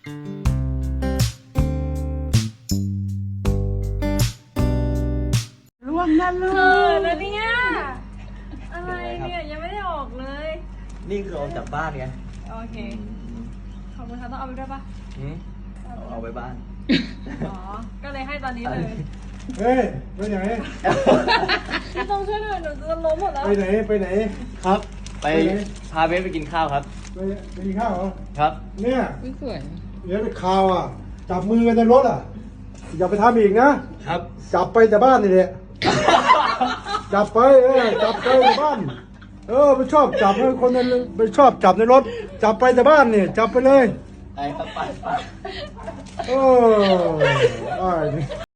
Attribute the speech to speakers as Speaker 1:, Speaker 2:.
Speaker 1: ล่วงนั่นลูก
Speaker 2: แล้วเนี่ยอะไรเนี่ยยังไม่ได้ออกเลย
Speaker 3: นี่คือออกจากบ้านไง
Speaker 2: โอเคขอบคุณค่ะต้องเอาไปด้วยปะ
Speaker 3: เอาไปบ้าน
Speaker 2: อ๋อก็เลยให้ตอนนี้เลย
Speaker 1: เฮ้ยไปไหน
Speaker 2: พี่ต้องช่วยหน่อยหนูจะล้มหมดแล้ว
Speaker 1: ไปไหนไปไหน
Speaker 3: ครับ ไป
Speaker 1: ไปไหน
Speaker 3: พาเบสไปกินข้าวครับ
Speaker 1: ไปกินข้าวเหรอ
Speaker 3: ครับ
Speaker 1: เนี่ย
Speaker 4: สวย
Speaker 1: เดี๋ยวไปข่าวอ่ะจับมือกันในรถอ่ะอย่าไปทำอีกนะครับ จับไปแต่บ้านนี่แหละจับไปจับไปแต่บ้านไปชอบจับให้คนนั้นไปชอบจับในรถจับไปแต่บ้านนี่จับไปเลย
Speaker 3: ไปครับไป
Speaker 1: ได้